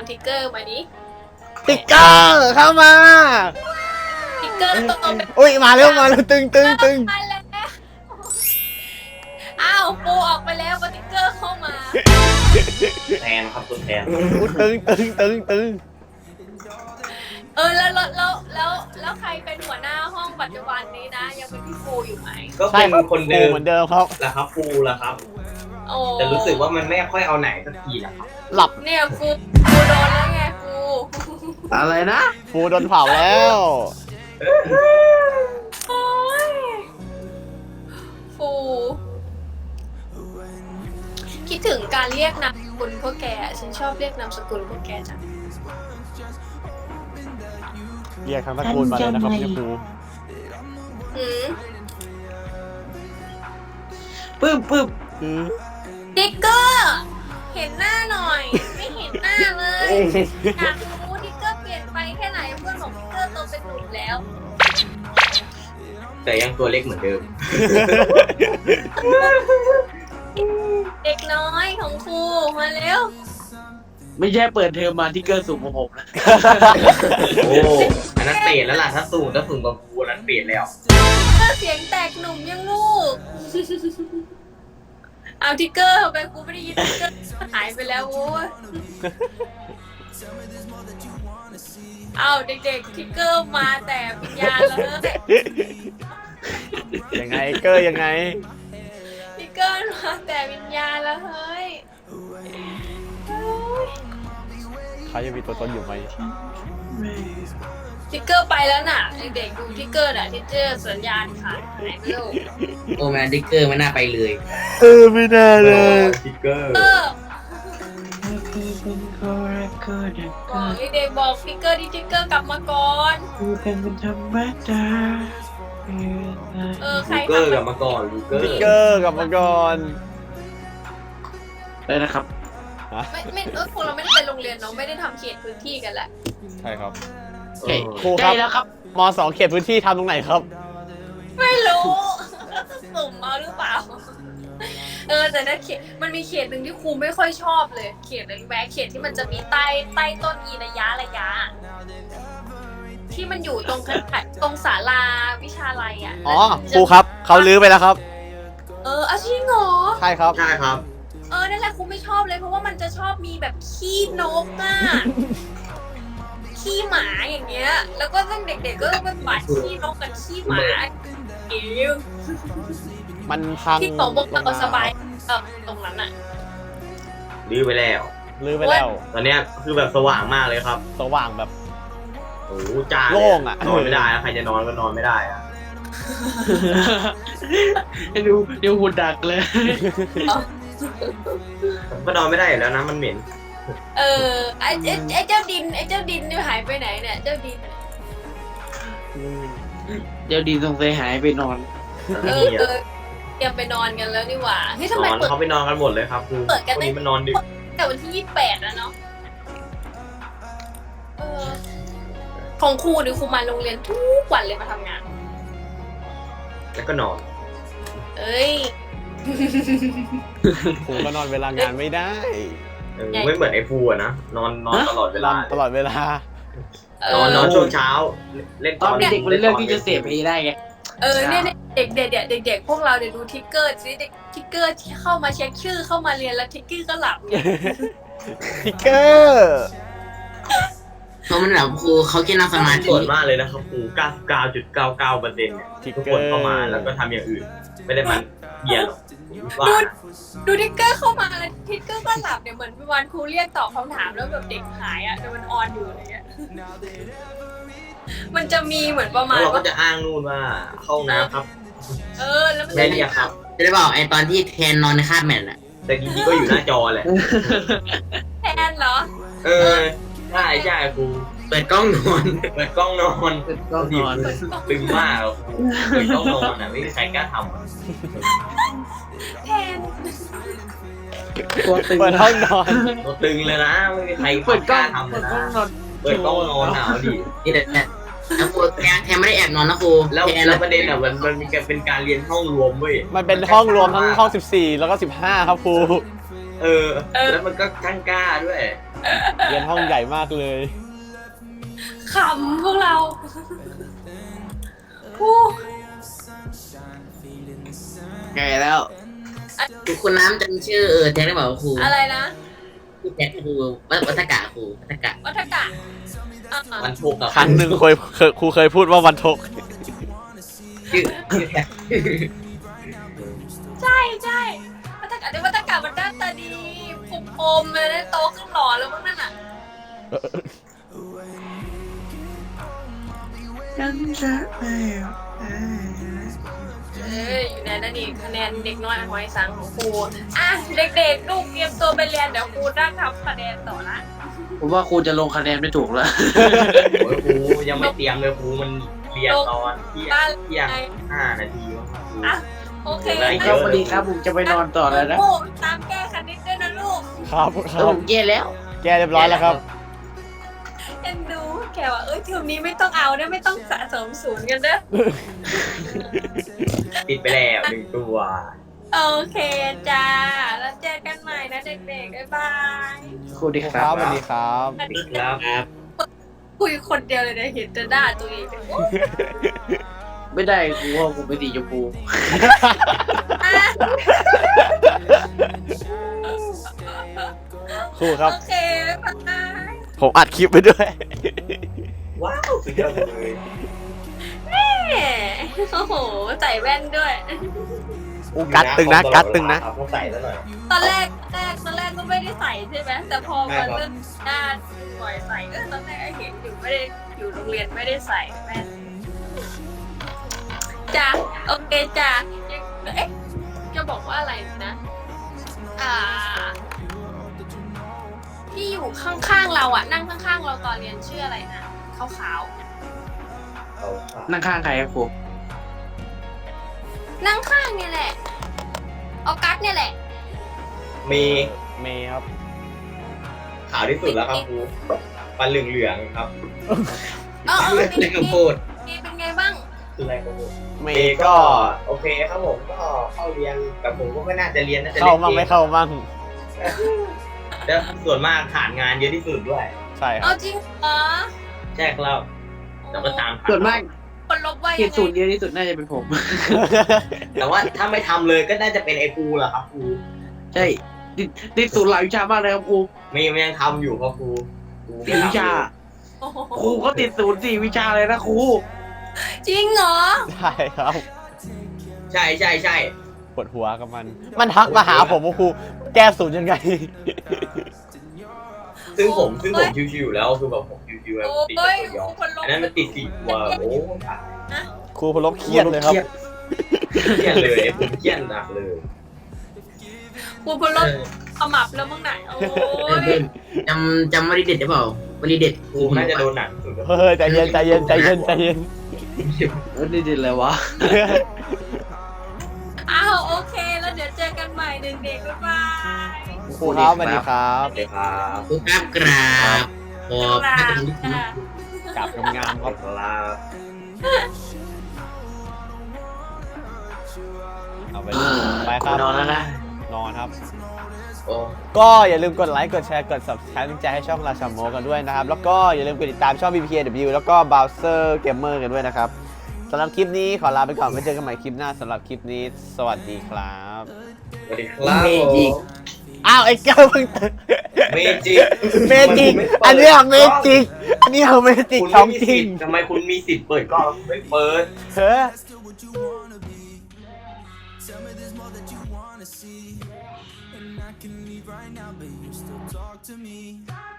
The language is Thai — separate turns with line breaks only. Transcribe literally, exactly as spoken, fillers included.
ทิกเกอร์มาดิ
ติ๊กเกอร์เข้ามา
ทิกเกอร์ตัวเป็น
อุ้ยมาเร็วมาแล้วตึงตึงตึง
มาแล้วอ้าวปูออกไปแล้วทิกเกอร์เข้ามา
แทนครับตัวแทน
ตึงตึงตึงตึง
เออแล้วแล้วแล้วแล้วใครเป็นหัวหน้าห้องปัจจุบันนี้นะยังเป็นพี่ปูอยู่ไหม
ก็เป็นคนเดิม
เหมือนเดิมครับ
แหละครับปูแหละครับแต่รู้สึกว่ามันไม่ค่อยเอาไหนสักทีแหละครับ
หลับ
เนี่ยฟูฟูโดนแล้วไงฟู
อะไรนะ
ฟูโดนเผาแล้ว
โอ้ยฟูคิดถึงการเรียกนามสกุลพวกแกฉันชอบเรียกนามสกุลพวกแกจัง
เรียกทั้งตระกูลมาเลยนะครับพี่ฟู
ปึ๊บปึ๊บ
ติ๊กเกอร์เห็นหน้าหน่อยไม่เห็นหน้าเลยอยากรู้ติ๊กเกอร์เปลี่ยนไปแค่ไหนเพื่อนของติ๊กเกอร์โตเป็นหนุ่มแล้ว
แต่ยังตัวเล็กเหมือนเดิม
เด็กน้อยของครูมาเร็ว
ไม่ใช่เปิดเทอมมาที่เกินสูงกว่าผมนะ
โอ้อันนั้นเปลี่ยนแล้วล่ะถ้าสูงถ้าสูงกว่ากูนั้นเปลี่ยนแล้ว
ก็เสียงแตกหนุ่มยังลูกเอาทิกเกอร์ไปกูไม่ได้ยินทิกเกอร์หายไปแล้วโว้ยเอาเด็กๆทิกเกอร์มาแต่วิญญาณเลย
ยังไงเกอร์ยังไง
ทิกเกอร์มาแต่วิญญาณแล้วเฮ้ย
เขายังมีตัวตนอยู่ไหม
ทิกเกอร์ไปแล้วน่ะเด็กๆดูทิกเกอร์น่ะทิกเกอร์สัญญาณขาดหายไปแล้ว
โอ้แม่ทิกเกอร์ไม่น่าไปเลย
เออไม่น่าเลย
ทิกเกอร์
บอกเด็กๆบอกทิกเกอร์ดิทิกเกอร์กลับมาก่อน
ดูกันเป็นธรรมดา
เออใคร
ทิกเกอร์กลับมาก่อน
ทิกเกอร์กลับมาก่อน
ได้นะครับ
ไม่ไม่เออพวกเราไม่ได้ไปโรงเรียนเนาะไม่ได้ทำเขตพื้นที่กันแหละ
ใช่ครับครูครับ
แล้วครับ
ม.สอง เขตพื้นที่ทำตรงไหนครับ
ไม่รู้สุ่มมาหรือเปล่าเออแต่นั่นเขตมันมีเขตหนึ่งที่ครูไม่ค่อยชอบเลยเขตอะไรแวะเขตที่มันจะมีใต้ใต้ต้นอีระยะระยะที่มันอยู่ตรงตรงศาลาวิชาลัยอ่ะ
อ๋อครูครับเขาลื้อไปแล้วครับ
เอออาชีพเหรอ
ใช่ครับ
ใช่ครับ
เออนั่นแหละครูไม่ชอบเลยเพราะว่ามันจะชอบมีแบบขี้นกอ่ะขี้หมาอย่างเงี้ยแล้วก็ตั้งเด็กๆก็ต้องไปปัดขี้นกกับขี้หมาเอ๋ว
มันพัง
ที่ของพวกเราสบายเออตรงนั้นอ่ะ
ลื้อไปแล้ว
ลื้อไปแล้ว
ตอนเนี้ยคือแบบสว่างมากเลยครับ
สว่างแบบ
โอ้จ้า
โล่งอ่ะ
นอนไม่ได้ใครจะนอนก็นอนไม่ได้อ่ะ
ดูเดี๋ยวหุ่นดักเลย
ก็นอนไม่ได้แล้วนะมันเหม็น
เออไอ้ไอ้เจ้าดินไอ้เจ้าดินนี่หายไปไหนเนี่ยเจ้าดิน
เจ้าดินสงสัยหายไปนอน
เออเออเตรียมไปนอนกันแล้วนี่หว่าเฮ้ยทำไม
เปิดเขาไปนอนกันหมดเลยครับคือ
เปิดกัน
นี้มันนอนดึก
แต่วันที่ยี่สิบแปดแล้วเนาะเออของครูหรือครูมาโรงเรียนทุกวันเลยมาทำงาน
แล้วก็นอน
เอ้ย
ครูก็นอนเวลางานไม่ได้
ไม่เหมือนไอ้ฟูอะนะนอนนอนตลอดเวลา
ตลอดเวลาน
อนนอนช่วงเช้าเล่น
ตอนเด็กมันเรื่องที่จะเสพไปได้ไง
เออเนี่ยเด็กเด็กเด็กเด็กพวกเราเดี๋ยวดูทิกเกอร์สิเด็กทิกเกอร์ที่เข้ามาเช็คชื่อเข้ามาเรียนแล้วทิกเกอร์ก็หลับ
ทิกเกอร์
เพราะมันแบบครูเขาแค่นั่งสมาธิ
ส่วนมากเลยนะครับครู เก้าสิบเก้าจุดเก้าเก้าเปอร์เซ็นต์ เนี่ยทุกคนเข้ามาแล้วก็ทำอย่างอื่นไม่ได้มันเบียร์หรอก
ดูดูทิกเกอร์เข้ามาแล้วทิกเกอร์ก็หลับเนี่ยเหมือนวันครูเรียกตอบคำถามแล้วแบบเด็กหายอ่ะแต่มันออนอยู่อะไรเงี้ยมันจะมีเหมือนประมาณ
เราก็จะอ้างนู่นว่าเข้าน้ำครับ
เออแล้วมัน
ไม่เรียกครับ
จะได้บอกไอ้ตอนที่แทนนอนในคาบแมทแหละ
แต่จริงๆก็อยู่หน้าจอแหละ
แทนเหรอ
เออใช่ใช่ครูเปิดกล้องนอนเปิดกล้องนอน
เปิดกล้องนอน
ตึงมากเปิดกล้องนอนอ่ะไม่มีใครกล้าทำ
แทน
ตัวตึง
เปิดห้องนอน
ตัวตึงเลยนะไม่มีใคร
เปิดกล้อง
ทำ
เปิดกล้องนอน
เปิดกล้องนอนหนาวดิ
นี่แหละแล้วครูแทนแทนไม่ได้แอบนอนนะครู
แล้วแล้วประเด็นอ่ะมันมันมีการเป็นการเรียนห้องรวมเว้ย
มันเป็นห้องรวมทั้งห้องสิบสี่แล้วก็สิบห้าครับครู
เเออ แล้วมันก็กั้งกล้าด้วย
เรียนห้องใหญ่มากเลย
ขำพวกเราผู้
ไงแล้วครูคุณน้ำจำชื่อเออแท็กได้เปล่าครู
อะไรนะ
ครูแท็กครูวัฒกะครูวัฒกะ
วัฒกะอ่ะ
มันโชกกับ
ครั้งหนึ่งเคยเคยครูเคยพูดว่าวันทก
ชื่อชื่อแท็ก
ใช่ใช่วัฒกะในวัฒกะมันหน้าตาดีผมอมเลยนะโตขึ้นหล่อแล้วมั้งนั่นอ่ะ
ยังจะไม่
เอ้ยอยู่ในนั่นนี่คะแนนเด็กน้อยหอยสังของครูอ่ะเด็กๆลูกเตรียมตัวไปเรียนเดี๋ยวครูนั่งทำคะแนนต่อละ
ผมว่าครูจะลงคะแนนไม่ถูกแล้ว
โอ้ยครูยังไม่เตรียมเลยครูมันเรียนตอนเที่ยงเที่ยงห้านาทีวะครู
อ่ะโอเค
ได้
ครับสวัสดีครับผมจะไปนอนต่อแล้วนะ
ลูกตามแก้คณิตด้วยนะลูก
ครับค
เอ
รั
อบ ผมแย่แล้ว
แก้เรียบร้อยแล้วครับ
เอ็นดูแกว่าเอ้ยเทอมนี้ไม่ต้องเอาเนี่ยไม่ต้องสะสมศูนย์กันเด้อ
ติดไปแล้วหนึ่งตัว
โอเคจ้าแล้วเจอกันใหม่นะเด็กๆบ๊ายบาย
ครูดีค
ค
รั
รับบ สวัสดีครับ
สวัสดี
ครับ
ครับ
คุยคนเดียวเลยนะเห็นแต่หน้าตัวเองโอ้
ไม่ได้ครูว่าผมเป็นสีชมพู
อ่ะ
ครูครับ
โอเคบ๊ายบาย
ผมอัดคลิปไปด้วย
ว้าวสุดยอดเลย
แหม่โอ้โหใส่แว่นด้วย
อูกัดตึงนะกัดตึงนะ
ต้องใส่แล้วหน่อย
ตอนแรกแรกตอนแรกก็ไม่ได้ใส่ใช่ไหมแต่พอมาเริ่มหน้าปล่อยใส่เออตอนแรกเห็นอยู่ไม่ได้อยู่โรงเรียนไม่ได้ใส่แว่นจ้ะโอเคจ้ะยังเอ๊ะจะบอกว่าอะไรนะอ่าที่อยู่ข้างๆเราอ่ะนั่งข้างๆเราตอนเรียนชื่ออะไรนะขาว
เอาค่ะ
นั่งข้างใครครับครู
ๆนั่งข้างเนี่ยแหละออกัสเนี่ยแหละ
มี
เมย์ครับ
ขาวที่สุดแล้วครับครูฟันเหลืองๆครับ
เออเออ
เล่นกับโพด
มีเป็นไงบ้าง
คืออะไรครับครู
เม
เอ
ย์
ก็
ก็
โอเคครับผมก็เข้าเรียนกับผมก็ไม่น่าจะเรียนน่าจะ
เข้า
เล่น
มั่ง
เก
ไม่
ม
เข้ามั่ง
แล้วส่วนมากขาดงานเยอะที่สุดด้วย
ใช่ค
เอา
รับ
จริงเหรอ
ใช่ครับแล้วก็ตาม
ส่วนมาก
คนลบว่า
เกี
ยั
ยร
ง
ติศูนย์
ไง
เยอะที่สุดน่าจะเป็นผม
แต่ว่าถ้าไม่ทำเลยก็น่าจะเป็นไอ้ครูแหละครับครู
ใช่ติดติดศูนย์หลายวิชามากเลยครับครู
มีมันยังทำอยู่ครับครูครูไม่
สี่วิ
ทำ
ชา
โอ้โห
ครูเขาติดศูนย์สี่วิชาเลยนะครู
จริงเหรอ
ใช่ครับ
ใช่ใช่ใช่
ปวดหัวกับมัน มันทักมาหาผมว่าครูแก้ศูนย์ยังไง
ซึ่งผมซึ่งผมชิวๆอยู่แล้วคือแบบผมชิวๆแล้ว
โอ้
ติดแต่
ย
ตัวยอ
คนลบ
อันนั้นมันติดสี่ตัวโอ้
ครูพลบเครียดเลยครับ
เครียดเลยผมเครียดหนักเลย
กูพลลบขมับแล้วมึงไหนโอ้ย
จำจำวลีเด็ดได้เปล่าวลีเด็ด
ครูน่าจะโดนหนักสุด
เฮ้ยใจเย็นใจเย็นใจเย็นใจเย็น
เออนี่เด็ดเลยวะ
อ้าวโอเค แล้วเดี๋ยวเจอกันใหม่เด็กๆบ๊ายบาย
ครูครับสวัสดีครับ
โอเคครับ
ครูครับกราบขอบ
กรา
พระ
บ
คุณ
จ้ะ
กลับงามๆครับ
ครับ
เอาไปไปครับ
นอนแล้วนะ
นอนครับ
โอ้
ก็อย่าลืมกดไลค์ กดแชร์ กด subscribe เป็นกำลังใจให้ช่องราชาโมกันด้วยนะครับ แล้วก็อย่าลืมกดติดตามช่อง บี พี เค ดับเบิลยู แล้วก็ Bowser Gamer กันด้วยนะครับสำหรับคลิปนี้ขอลาไปก่อนไว้เจอกันใหม่คลิปหน้าสำหรับคลิปนี้ สวัสดีครับ
สวัสดีครับ
เมจิก
อ้าวไอ้แก้วเพิ่งตื่น
เมจิก
เมจิก อันเนี้ยเมจิก อันเนี้ยเมจิก
คุณ
ขอ
ไม่
ง
มี
จริ
สิ
ง
ทธิ์ทำไมคุณมีสิทธิ์เปิดกล้องไม่เปิด
เฮ้ย
Tell me there's more that you wanna see, and I can leave right now, but you still talk to me.